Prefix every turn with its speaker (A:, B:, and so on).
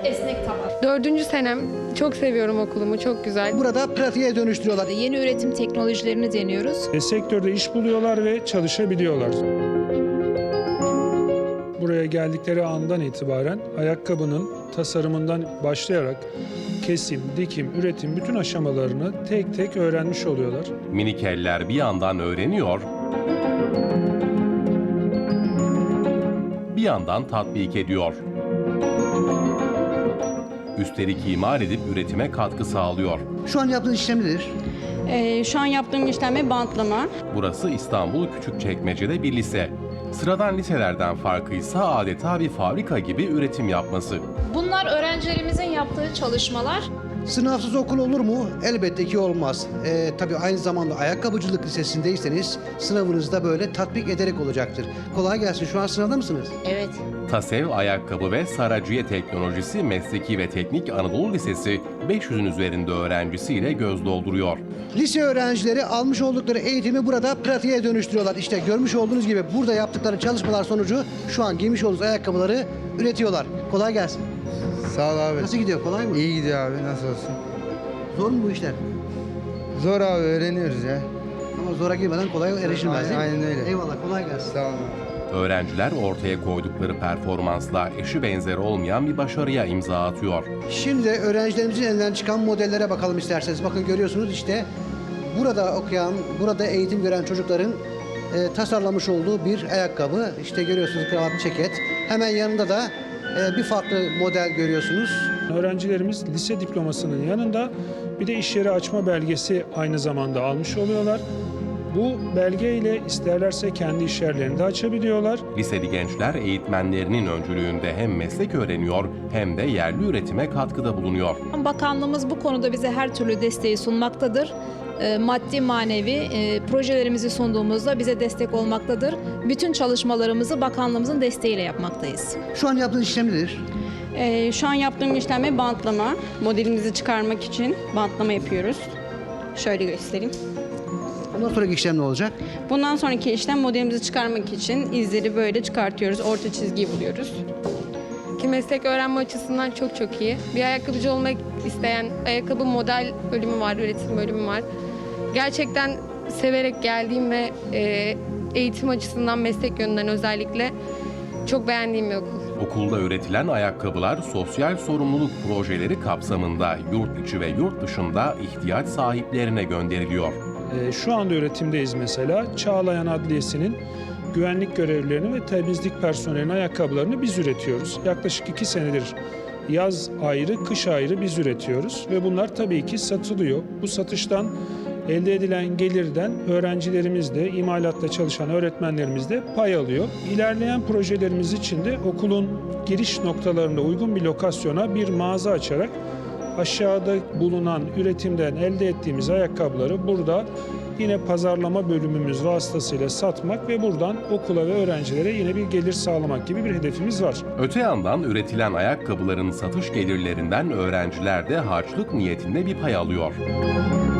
A: esnek taban.
B: 4. senem. Çok seviyorum okulumu. Çok güzel.
C: Burada pratiğe dönüştürüyorlar.
A: Yeni üretim teknolojilerini deniyoruz.
D: Sektörde iş buluyorlar ve çalışabiliyorlar. Buraya geldikleri andan itibaren ayakkabının tasarımından başlayarak kesim, dikim, üretim bütün aşamalarını tek tek öğrenmiş oluyorlar.
E: Minik eller bir yandan öğreniyor, bir yandan tatbik ediyor. Üstelik imal edip üretime katkı sağlıyor.
C: Şu an yaptığınız işlem nedir?
F: Şu an yaptığım işlem bantlama.
E: Burası İstanbul Küçükçekmece'de bir lise. Sıradan liselerden farkıysa adeta bir fabrika gibi üretim yapması.
A: Bunlar öğrencilerimizin yaptığı çalışmalar.
C: Sınavsız okul olur mu? Elbette ki olmaz. Tabii aynı zamanda ayakkabıcılık lisesindeyseniz sınavınız da böyle tatbik ederek olacaktır. Kolay gelsin. Şu an sınavda mısınız?
A: Evet.
E: TASEV Ayakkabı ve Saraciye Teknolojisi Mesleki ve Teknik Anadolu Lisesi 500'ün üzerinde öğrencisiyle göz dolduruyor.
C: Lise öğrencileri almış oldukları eğitimi burada pratiğe dönüştürüyorlar. İşte görmüş olduğunuz gibi burada yaptıkları çalışmalar sonucu şu an giymiş olduğunuz ayakkabıları üretiyorlar. Kolay gelsin.
G: Sağ ol abi.
C: Nasıl gidiyor? Kolay mı?
G: İyi gidiyor abi, nasıl olsun?
C: Zor mu bu işler?
G: Zor abi, öğreniyoruz ya.
C: Ama zora girmeden kolay erişilmez değil mi?
G: Aynen öyle.
C: Eyvallah, kolay gelsin.
G: Sağ ol.
E: Öğrenciler ortaya koydukları performansla eşi benzeri olmayan bir başarıya imza atıyor.
C: Şimdi de öğrencilerimizin elinden çıkan modellere bakalım isterseniz. Bakın görüyorsunuz işte burada okuyan, burada eğitim gören çocukların tasarlamış olduğu bir ayakkabı. İşte görüyorsunuz kravat, ceket. Hemen yanında da bir farklı model görüyorsunuz.
D: Öğrencilerimiz lise diplomasının yanında bir de iş yeri açma belgesi aynı zamanda almış oluyorlar. Bu belgeyle isterlerse kendi iş yerlerini de açabiliyorlar.
E: Liseli gençler eğitmenlerinin öncülüğünde hem meslek öğreniyor hem de yerli üretime katkıda bulunuyor.
A: Bakanlığımız bu konuda bize her türlü desteği sunmaktadır. Maddi manevi projelerimizi sunduğumuzda bize destek olmaktadır. Bütün çalışmalarımızı bakanlığımızın desteğiyle yapmaktayız.
C: Şu an yaptığınız işlem nedir?
F: Şu an yaptığım işlem bantlama. Modelimizi çıkarmak için bantlama yapıyoruz. Şöyle göstereyim.
C: Bundan sonraki işlem ne olacak?
F: Bundan sonraki işlem modelimizi çıkarmak için izleri böyle çıkartıyoruz. Orta çizgiyi buluyoruz.
B: Ki meslek öğrenme açısından çok çok iyi. Bir ayakkabıcı olmak isteyen ayakkabı model bölümü var, üretim bölümü var. Gerçekten severek geldiğim ve eğitim açısından, meslek yönünden özellikle çok beğendiğim bir okul.
E: Okulda üretilen ayakkabılar sosyal sorumluluk projeleri kapsamında yurt içi ve yurt dışında ihtiyaç sahiplerine gönderiliyor.
D: Şu anda üretimdeyiz mesela. Çağlayan Adliyesi'nin güvenlik görevlilerinin ve temizlik personelinin ayakkabılarını biz üretiyoruz. Yaklaşık 2 senedir yaz ayrı, kış ayrı biz üretiyoruz ve bunlar tabii ki satılıyor. Bu satıştan elde edilen gelirden öğrencilerimiz de, imalatta çalışan öğretmenlerimiz de pay alıyor. İlerleyen projelerimiz için de okulun giriş noktalarında uygun bir lokasyona bir mağaza açarak aşağıda bulunan üretimden elde ettiğimiz ayakkabıları burada yine pazarlama bölümümüz vasıtasıyla satmak ve buradan okula ve öğrencilere yine bir gelir sağlamak gibi bir hedefimiz var.
E: Öte yandan üretilen ayakkabıların satış gelirlerinden öğrenciler de harçlık niyetinde bir pay alıyor.